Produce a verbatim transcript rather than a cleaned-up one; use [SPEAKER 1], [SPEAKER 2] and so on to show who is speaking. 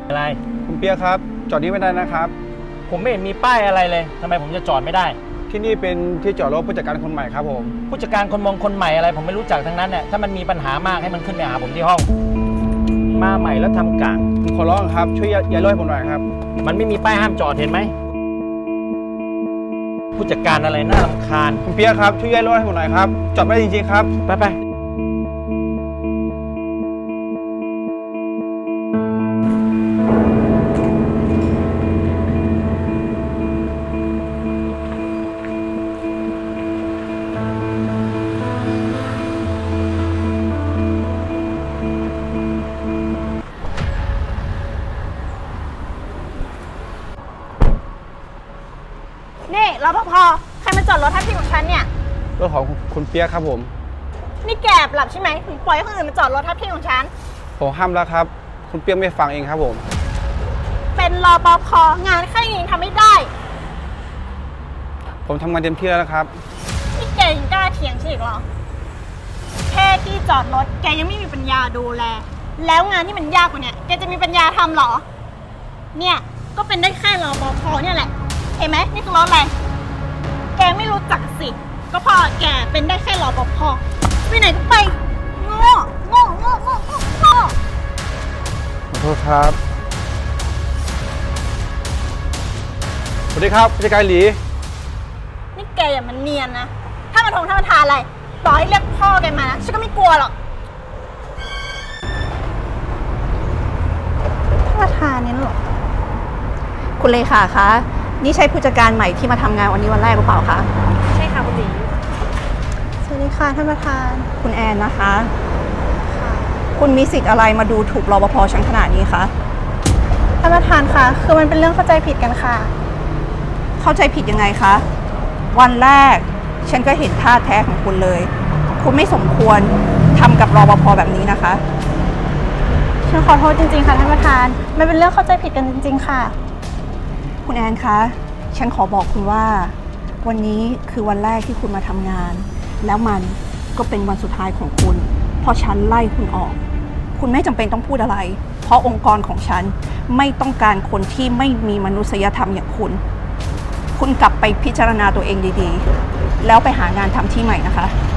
[SPEAKER 1] อะไร
[SPEAKER 2] คุณเปียกครับจอดนี้ไม่ได้นะครับ
[SPEAKER 1] ผมไม่เห็นมีป้ายอะไรเลยทำไมผมจะจอดไม่ได้
[SPEAKER 2] ที่นี่เป็นที่จอดรถผู้จัดการคนใหม่ครับผม
[SPEAKER 1] ผู้จัดการคนมองคนใหม่อะไรผมไม่รู้จักทั้งนั้นเนี่ยถ้ามันมีปัญหามากให้มันขึ้นไปหาผมที่ห้องมาใหม่แล้วทำกลาง
[SPEAKER 2] ผมขอร้องครับช่วยย้ายรถให้ผมหน่อยครับ
[SPEAKER 1] มันไม่มีป้ายห้ามจอดเห็นไหมผู้จัดการอะไรน่ารำคาญ
[SPEAKER 2] คุณเปียกครับช่วยย้ายรถให้ผมหน่อยครับจอดไม่ได้จริงๆครับ
[SPEAKER 1] ไปไป
[SPEAKER 3] นี่รปภใครมาจอดรถทับที่ของฉันเนี่ย
[SPEAKER 2] รถของคุณเปียกครับผม
[SPEAKER 3] นี่แกหลับใช่ไหมถึงปล่อยให้คนอื่นมาจอดรถทับที่ของฉัน
[SPEAKER 2] ผมห้ามแล้วครับคุณเปียกไม่ฟังเองครับผม
[SPEAKER 3] เป็นรปภงานแค่นี้ทำไม่ได้
[SPEAKER 2] ผมทำงานเต็มที่แล้วนะครับ
[SPEAKER 3] นี่แกยังกล้าเถียงฉันอีกเหรอแค่ที่จอดรถแกยังไม่มีปัญญาดูแลแล้วงานที่มันยากกว่านี้แกจะมีปัญญาทำหรอเนี่ยก็เป็นได้แค่รปภเนี่ยแหละเห็นไหมนี่คือรถอะไรแกไม่รู้จักสิก็พอแกเป็นได้แค่รปภไปไหนก็ไปโง่โง่โง่โง่โง่โง่
[SPEAKER 2] ขอโทษครับสวัสดีครับผู้จัดการหลี
[SPEAKER 3] นี่แกอย่ามันเนียนนะถ้ามาทงถ้ามาทานอะไรต่อให้เรียกพ่อแกมานะฉันก็ไม่กลัวหรอกถ้ามาทานนี่หรอ
[SPEAKER 4] คุณเลขาคะนี่ใช่ผู้จัดการใหม่ที่มาทำงานวันนี้วันแรกหรือเปล่าคะ
[SPEAKER 3] ใช่ค่ะคุณหลีสวัสดีค่ะท่านประธาน
[SPEAKER 4] คุณแอนนะคะคุณมีสิทธิ์อะไรมาดูถูกรปภชั้นขนาดนี้คะ
[SPEAKER 3] ท่านประธานคะคือมันเป็นเรื่องเข้าใจผิดกันค่ะ
[SPEAKER 4] เข้าใจผิดยังไงคะวันแรกฉันก็เห็นท่าแท้ของคุณเลยคุณไม่สมควรทำกับรปภแบบนี้นะคะ
[SPEAKER 3] ฉันขอโทษจริงๆค่ะท่านประธานมันเป็นเรื่องเข้าใจผิดกันจริงๆค่ะ
[SPEAKER 4] คุณแอนคะฉันขอบอกคุณว่าวันนี้คือวันแรกที่คุณมาทำงานแล้วมันก็เป็นวันสุดท้ายของคุณเพราะฉันไล่คุณออกคุณไม่จำเป็นต้องพูดอะไรเพราะองค์กรของฉันไม่ต้องการคนที่ไม่มีมนุษยธรรมอย่างคุณคุณกลับไปพิจารณาตัวเองดีๆแล้วไปหางานทำที่ใหม่นะคะ